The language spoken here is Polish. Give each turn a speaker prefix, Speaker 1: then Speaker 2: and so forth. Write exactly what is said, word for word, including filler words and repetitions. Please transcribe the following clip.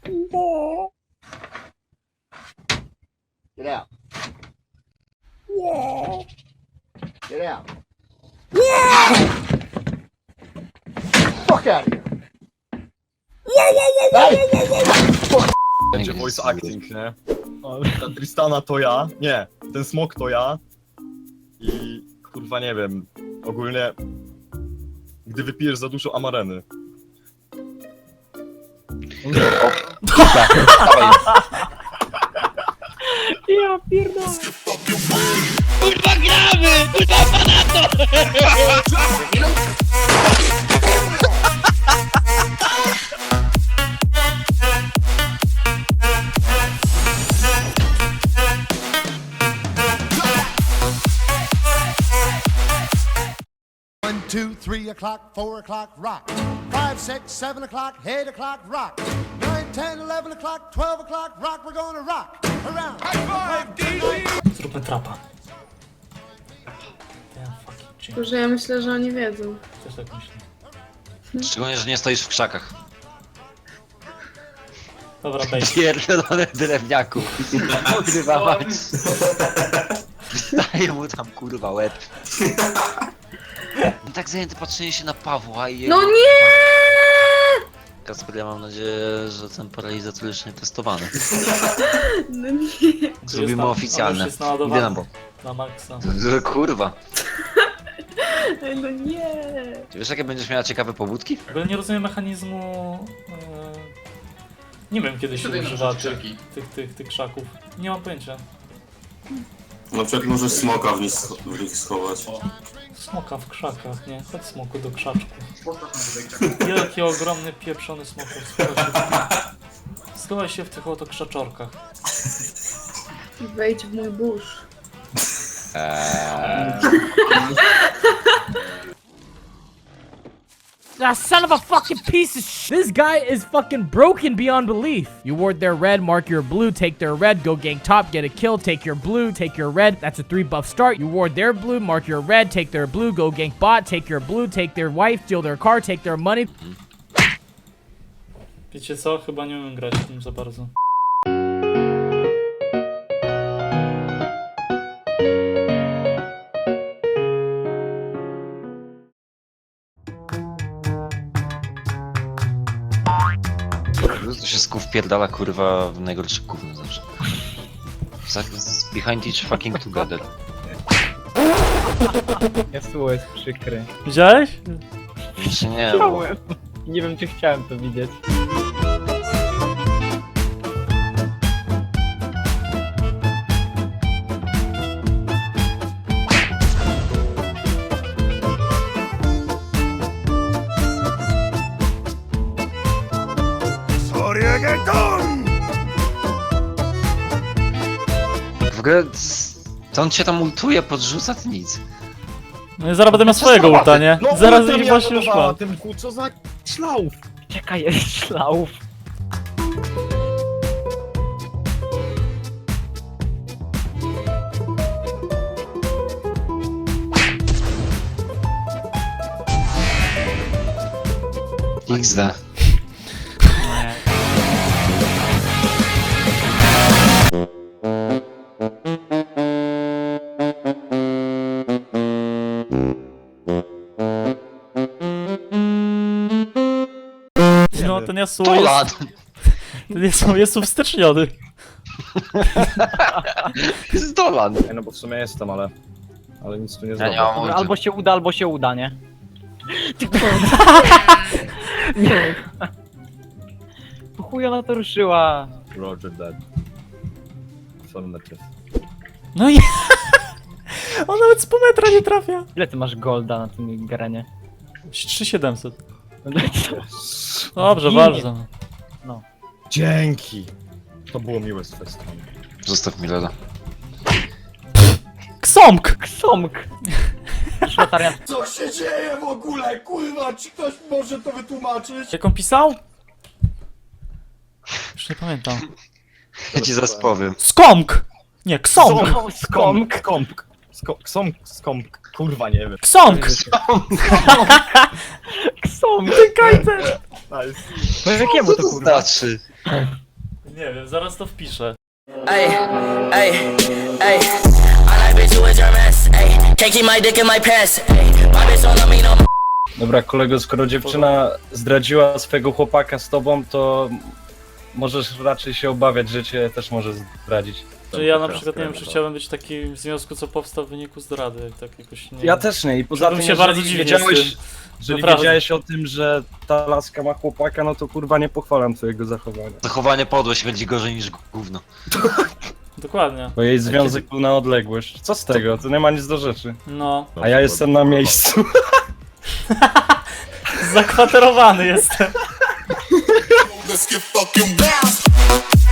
Speaker 1: Get out. Yeah. Get out. Fuck out of here.
Speaker 2: Będzie voice acting, nie? Ta Tristana to ja, nie, ten smok to ja i kurwa nie wiem, ogólnie gdy wypijesz za dużo amareny.
Speaker 3: Ja pierdolę.
Speaker 4: Kurwa gramy! Kurwa panato!
Speaker 5: One, two, three o'clock, four o'clock, rock. Five, six, seven o'clock, eight o'clock, rock. Nine, ten, eleven o'clock, twelve o'clock, rock. We're gonna rock around.
Speaker 3: Zróbmy trapa. Damn fucking change.
Speaker 6: Boże, ja myślę, że oni wiedzą.
Speaker 3: Też tak myślę.
Speaker 7: Szczególnie, że nie stoisz w krzakach.
Speaker 3: Dobra, base.
Speaker 7: Pierdolony drewniaku. Kurwa mać. Daję mu tam kurwa łeb. Tak zajęty patrzenie się na Pawła i jego...
Speaker 6: No nie!
Speaker 7: Kasper, ja mam nadzieję, że ten paralizator już nie testowany.
Speaker 6: No nie.
Speaker 7: Zrobimy
Speaker 3: tam- on
Speaker 7: oficjalne.
Speaker 3: już jest
Speaker 7: Idę
Speaker 3: naładowany.
Speaker 7: na bok.
Speaker 3: Na maksa.
Speaker 7: Kurwa.
Speaker 6: No nie.
Speaker 7: Ty wiesz, jakie będziesz miała ciekawe pobudki?
Speaker 3: W ogóle nie rozumiem mechanizmu... E... Nie wiem, kiedy się używa tych, tych, tych, tych krzaków. Nie mam pojęcia.
Speaker 8: Na przykład możesz smoka w nich, scho- w nich schować.
Speaker 3: Smoka w krzakach, nie? Chodź smoku do krzaczków. Wielki, ogromny, pieprzony smok. Schowaj się w, schowaj się w tych oto krzaczorkach.
Speaker 6: Wejdź w mój burz.
Speaker 9: Ah, son of a fucking piece of sh- This guy is fucking broken beyond belief. You ward their red, mark your blue, take their red, go gank top, get a kill, take your blue, take your red. That's a three buff start. You ward their blue, mark your red, take their blue, go gank bot, take your blue, take their wife, steal their car, take their money.
Speaker 3: Wiecie co? Chyba nie umiem grać w tym za bardzo.
Speaker 7: To się sków pierdala kurwa w najgorszy gówno zawsze. Z- z- Behind each fucking together.
Speaker 10: Jasło jest przykry.
Speaker 3: Widziałeś?
Speaker 7: Jeszcze nie, bo...
Speaker 10: Chciałem. Nie wiem, czy chciałem to widzieć.
Speaker 7: W ogóle... c- Co on cię tam ultuje, podrzuca? Ty nic.
Speaker 3: No i zaraz będę miał swojego ulta, nie?
Speaker 2: No
Speaker 3: Zaraz
Speaker 2: ulta
Speaker 3: ich
Speaker 2: mi
Speaker 3: właśnie już
Speaker 2: atakowała,
Speaker 3: mam.
Speaker 2: Tym ku, co za ślaów.
Speaker 10: Czekaj, jest szlauf.
Speaker 7: iks de.
Speaker 3: No ten Yasuo jest...
Speaker 7: Dolan!
Speaker 3: Ten Yasuo jest uwsteczniony.
Speaker 7: Jest Dolan!
Speaker 2: Nie, no bo w sumie jestem, ale... Ale nic tu nie
Speaker 7: Ja
Speaker 2: zrobię.
Speaker 7: nie mam ulty.
Speaker 10: Albo się uda, albo się uda, nie? Nie. Po chuj ona to ruszyła.
Speaker 2: Roger that. Co on jest?
Speaker 3: No i... On nawet z pół metra nie trafia.
Speaker 10: Ile ty masz golda na tym granie?
Speaker 3: trzy tysiące siedemset.
Speaker 10: No to-
Speaker 3: Dobrze,
Speaker 10: Ginie.
Speaker 3: bardzo.
Speaker 2: Dzięki! To było miłe z twojej strony.
Speaker 7: Zostaw mi Lola.
Speaker 3: Ksomk!
Speaker 10: Ksomk! Szmatarian.
Speaker 8: Co się dzieje w ogóle? Kurwa, czy ktoś może to wytłumaczyć?
Speaker 3: Jak on pisał? Już nie pamiętam.
Speaker 7: Ja ci zaraz powiem.
Speaker 3: Skomk! Nie, ksomk!
Speaker 2: Skomk! Skomk! Skomk! Skomk! Kurwa, nie wiem.
Speaker 3: Ksomk!
Speaker 10: Ksomk!
Speaker 3: Ty kajter!
Speaker 2: Nice.
Speaker 10: No jakiemu to
Speaker 7: Co to
Speaker 10: kurwa?
Speaker 7: znaczy?
Speaker 3: Nie wiem, zaraz to wpiszę.
Speaker 4: Ey, ey, ey. I like bitch, you was your mess. Ey, can't keep my dick in my pants. Ey, my bitch don't love me no more.
Speaker 11: Dobra, kolego, skoro dziewczyna zdradziła swojego chłopaka z tobą, to możesz raczej się obawiać, że cię też może zdradzić.
Speaker 3: Że ja na przykład nie wiem, czy chciałbym być taki w związku, co powstał w wyniku zdrady, tak jakoś nie...
Speaker 11: Ja też nie i poza
Speaker 3: Czułbym
Speaker 11: tym,
Speaker 3: się
Speaker 11: jeżeli
Speaker 3: bardzo dziwnie z
Speaker 11: wiedziałeś,
Speaker 3: tym.
Speaker 11: jeżeli
Speaker 3: Naprawdę.
Speaker 11: wiedziałeś o tym, że ta laska ma chłopaka, no to kurwa nie pochwalam twojego zachowania.
Speaker 7: Zachowanie podłość będzie gorzej niż gówno.
Speaker 3: Dokładnie.
Speaker 11: Bo jej związek był na odległość. Co z tego? To nie ma nic do rzeczy.
Speaker 3: No.
Speaker 11: A ja jestem na miejscu.
Speaker 3: Zakwaterowany jestem.
Speaker 5: Let's get fucking wild.